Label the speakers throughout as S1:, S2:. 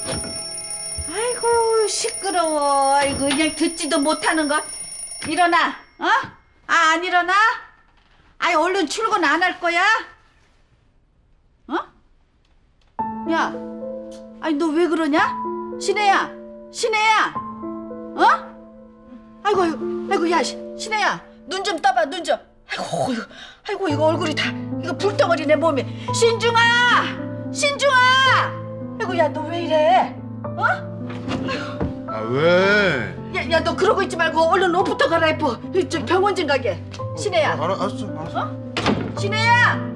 S1: 아이고 시끄러워. 아이고 그냥 듣지도 못하는 거. 일어나. 어? 아 안 일어나? 아이 얼른 출근 안 할 거야? 어? 야, 아니 너 왜 그러냐? 신혜야, 신혜야, 어? 아이고, 아이고, 야, 신혜야, 눈 좀 떠봐, 눈 좀. 아이고, 이거 얼굴이 다 이거 불덩어리네 몸이. 신중아, 신중아. 아이고, 야, 너 왜 이래? 어?
S2: 아 왜?
S1: 야, 너 그러고 있지 말고 얼른 옷부터 갈아입어. 저 병원 좀 가게. 신혜야.
S2: 알았어.
S1: 어? 신혜야.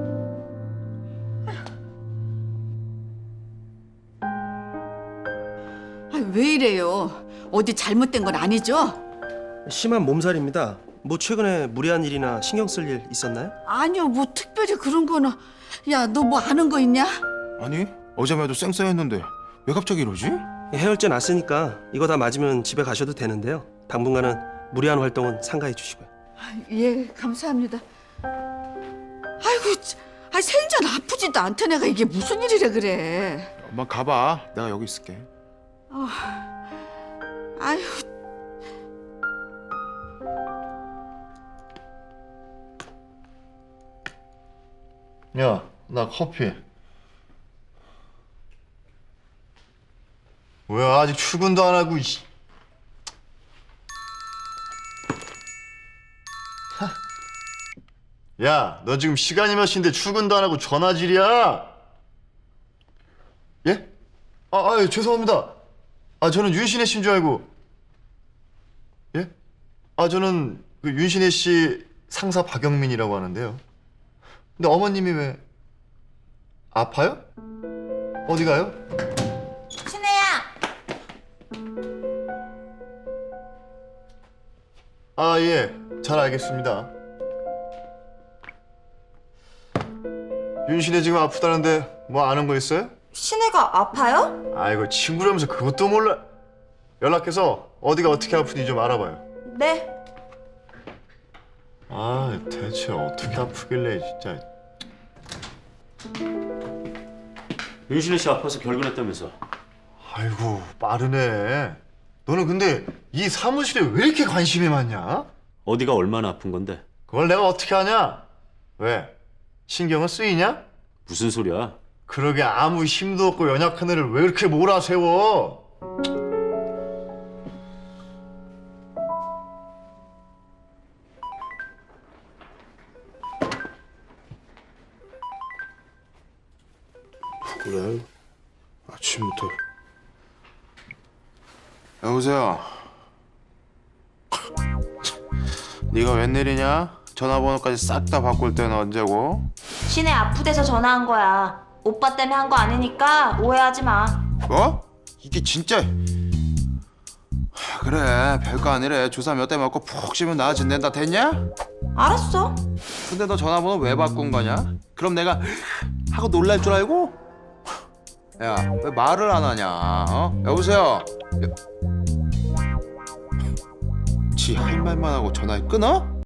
S1: 왜 이래요? 어디 잘못된 건 아니죠?
S3: 심한 몸살입니다. 뭐 최근에 무리한 일이나 신경 쓸 일 있었나요?
S1: 아니요, 뭐 특별히 그런 거는. 야, 너 뭐 아는 거 있냐?
S2: 아니 어제만 해도 쌩쌩했는데 왜 갑자기 이러지?
S3: 해열제 났으니까 이거 다 맞으면 집에 가셔도 되는데요. 당분간은 무리한 활동은 삼가해 주시고요.
S1: 예, 감사합니다. 아이고, 생전 아프지도 않던 애가 이게 무슨 일이래 그래.
S2: 엄마 가봐. 내가 여기 있을게.
S1: 아유,
S4: 야, 나 커피. 뭐야, 아직 출근도 안 하고, 이씨. 하. 야, 너 지금 시간이 몇 시인데 출근도 안 하고 전화질이야? 예? 죄송합니다. 저는 윤신혜 씨인 줄 알고. 예? 저는 그 윤신혜 씨 상사 박영민이라고 하는데요. 근데 어머님이 왜 아파요? 어디 가요?
S5: 신혜야.
S4: 예, 잘 알겠습니다. 윤신혜 지금 아프다는데 뭐 아는 거 있어요?
S5: 신혜가 아파요?
S4: 아이고 친구라면서 그것도 몰라. 연락해서 어디가 어떻게 아프니 좀 알아봐요.
S5: 네.
S4: 대체 어떻게 아프길래 진짜.
S6: 윤신혜 씨 아파서 결근했다면서.
S4: 아이고 빠르네. 너는 근데 이 사무실에 왜 이렇게 관심이 많냐?
S6: 어디가 얼마나 아픈 건데?
S4: 그걸 내가 어떻게 하냐? 왜? 신경은 쓰이냐?
S6: 무슨 소리야?
S4: 그러게 아무 힘도 없고 연약한 애를 왜 이렇게 몰아세워?
S2: 그래? 아침부터. 여보세요. 네가 웬일이냐? 전화번호까지 싹 다 바꿀 때는 언제고?
S5: 신혜 아프대서 전화한 거야. 오빠 때문에 한 거 아니니까 오해하지 마.
S2: 뭐? 이게 진짜. 그래 별거 아니래. 주사 몇 대 맞고 푹 쉬면 나아진댄다. 됐냐?
S5: 알았어.
S2: 근데 너 전화번호 왜 바꾼 거냐? 그럼 내가 하고 놀랄 줄 알고? 야 왜 말을 안 하냐? 여보세요? 지 할 말만 하고 전화를 끊어?